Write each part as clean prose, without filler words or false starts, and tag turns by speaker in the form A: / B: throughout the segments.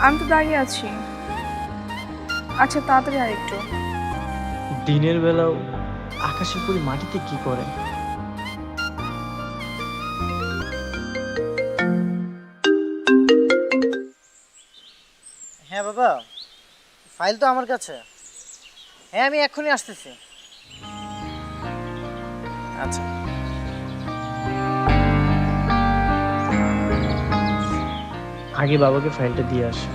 A: আমি তো দাঁড়িয়ে আছি। আচ্ছা তাড়াতাড়ি আর একটু।
B: দিনের বেলাও আকাশের পরি মাটিতে কি করে?
C: হ্যাঁ বাবা, ফাইল তো আমার কাছে। হ্যাঁ আমি এক্ষুনি আসতেছি। আচ্ছা
B: আগে বাবাকে ফাইলটা দিয়ে আসে।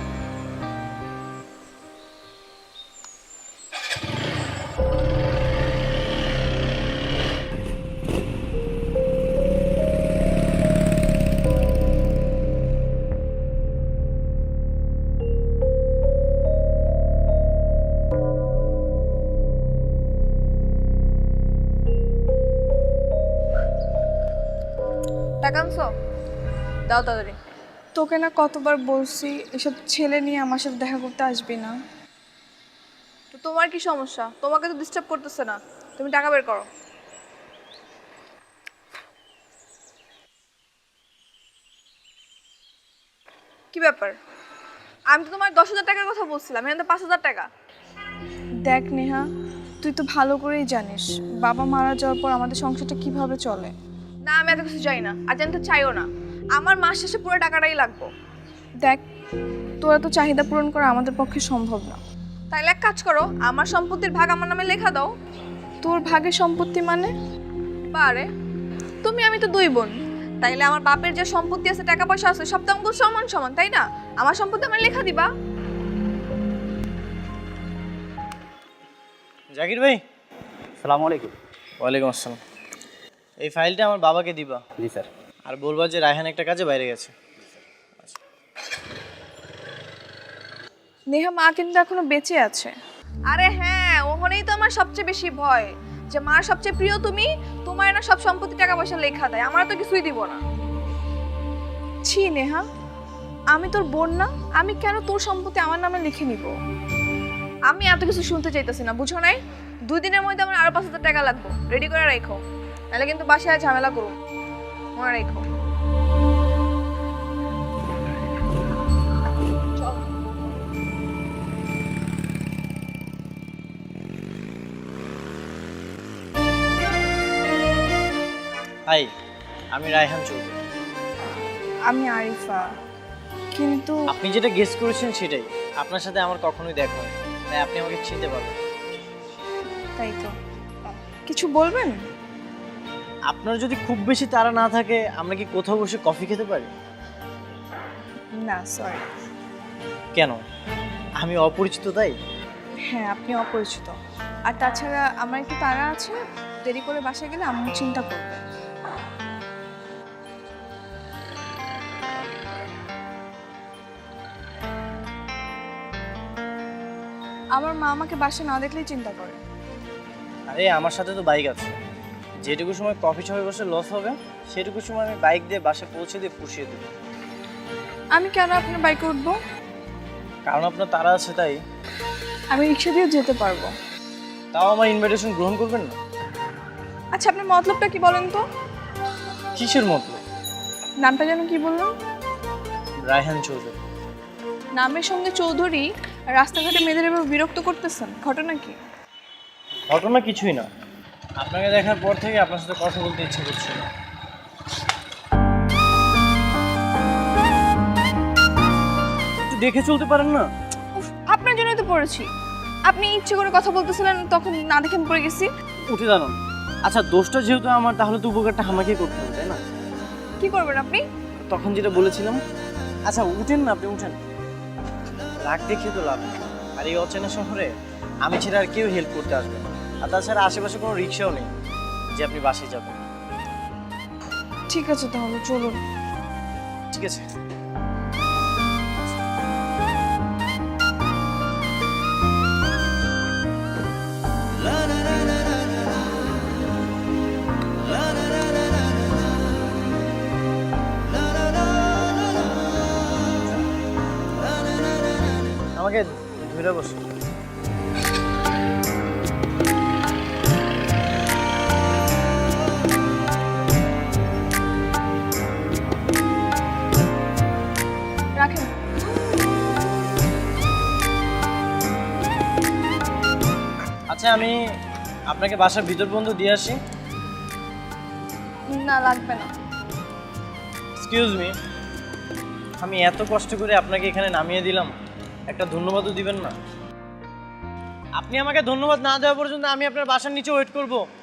A: টাকা আনছো? দাও তাড়াতাড়ি। তোকে না কতবার বলছি এসব ছেলে নিয়ে আমার সাথে দেখা করতে আসবি না। তো তোমার কি সমস্যা? তোমাকে তো ডিস্টার্ব করতেছে না, তুমি টাকা বের করো। কি ব্যাপার? আমি তো তোমার 10,000 টাকার কথা বলছিলাম, এখন তো 5,000 টাকা। দেখ নেহা, তুই তো ভালো করেই জানিস বাবা মারা যাওয়ার পর আমাদের সংসারটা কিভাবে চলে। না আমি এত কিছু চাই না, আর জানতে চাইও না। আমার মাস শেষে পুরো টাকাটাই লাগবে। দেখ, তোরা তো চাহিদা পূরণ করা আমাদের পক্ষে সম্ভব না। তাইলে এক কাজ করো, আমার সম্পত্তির ভাগ আমার নামে লেখা দাও। তোর ভাগের সম্পত্তি মানে? বারে, তুমি আমি তো দুই বোন, তাইলে আমার বাপের যে সম্পত্তি আছে, টাকা পয়সা আছে, সব তো আমাদের সমান সমান, তাই না? আমার সম্পত্তি আমার লেখা দিবা।
C: জাকির ভাই।
D: সালামু আলাইকুম।
C: ওয়ালাইকুম আসসালাম। এই ফাইলটা আমার বাবাকে দিবা।
D: জি স্যার।
C: আর বলবা যে রায়হান একটা কাজে বাইরে গেছে।
A: নেহা মা কিন্তু এখনো বেঁচে আছে। আরে হ্যাঁ, ওখানেই তো আমার সবচেয়ে বেশি ভয়, যে মার সবচেয়ে প্রিয় তুমি, তোমার না সব সম্পত্তি টাকা পয়সা লেখা দেয়, আমার তো কিছুই দিব না। ছি নেহা, আমি তোর বোন না? আমি কেন তোর সম্পত্তি আমার নামে লিখে নিব? আমি এত কিছু শুনতে চাইতেছি না, বুঝো নাই? 2 দিনের মধ্যে আমার আরো 5,000 টাকা লাগবে, রেডি করে রাখো, নাহলে কিন্তু বাসায় ঝামেলা করুন। মনে রাখো।
C: হাই, আমি রায়হান চৌধুরী।
A: আমি আরিফা, কিন্তু
C: আপনি যেটা গেস করেছেন সেটাই। আপনার সাথে আমার কখনোই দেখা হয়, তাই আপনি আমাকে চিনতে পারবেন।
A: তাই তো। কিছু বলবেন?
C: আপনার যদি খুব বেশি তাড়া না থাকে, আমরা কি কোথাও বসে কফি খেতে পারি?
A: না সরি।
C: কেন? আমি অপরিচিত তাই?
A: হ্যাঁ আপনি অপরিচিত, আর তাছাড়া আমার একটু তাড়া আছে, দেরি করে বাসায় গেলে আম্মু চিন্তা করবে। আমার মা আমাকে বাসায় না দেখলেই চিন্তা করে।
C: আরে আমার সাথে তো বাইক আছে, যেটুকু সময় কফি শপে বসে লস হবে সেটুকু সময় আমি বাইক দিয়ে বাসায় পৌঁছে দিয়ে পুষিয়ে দেবো।
A: আমি কেন আপনার বাইকে উঠবো?
C: কারণ আপনার তাড়া আছে তাই।
A: আমি রিক্সা দিয়েও যেতে পারবো।
C: তাও আমার ইনভাইটেশন গ্রহণ করবেন না?
A: আচ্ছা আপনার মতলবটা কি বলেন তো?
C: কিসের মতলব?
A: নামটা যেন কি বললাম?
C: রায়হান চৌধুরী।
A: নামের সঙ্গে চৌধুরী, রাস্তাঘাটে মেয়েদের এবার বিরক্ত করতেছেন, ঘটনা কি?
C: ঘটনা কিছুই না, আপনাকে দেখার পর থেকে আপনার সাথে কথা বলতে ইচ্ছে করছে না। একটু দেখে চলতে পারেন না?
A: উফ, আপনার জন্যই তো পড়েছি। আপনি ইচ্ছে করে কথা বলতেছিলেন, তখন না দেখে আমি পড়ে গেছি।
C: উঠে দাঁড়ান। আচ্ছা দোষটা যেহেতু আমার, তাহলে তো উপকারটা আমাকেই করতে হবে তাই না?
A: কি করবেন আপনি?
C: তখন যেটা বলেছিলাম। আচ্ছা উঠেন না, আপনি উঠেন। রাগ দেখিয়ে তো লাভ নেই। আর এই অচেনা শহরে আমি ছাড়া আর কেউ হেল্প করতে আসবে না। আর তাছাড়া আশেপাশে কোনো রিক্সাও নেই যে আপনি বাসে যাবেন।
A: ঠিক আছে তাহলে চলুন।
C: ঠিক আছে। আমাকে ধরে বসো।
A: রাখেন।
C: আচ্ছা আমি আপনাকে বাসার ভিতর পর্যন্ত দিয়ে আসি।
A: না লাগবে না।
C: এক্সকিউজ মি, আমি এত কষ্ট করে আপনাকে এখানে নামিয়ে দিলাম, একটা ধন্যবাদও দিবেন না? আপনি আমাকে ধন্যবাদ না দেওয়া পর্যন্ত আমি আপনার বাসার নিচে ওয়েট করব?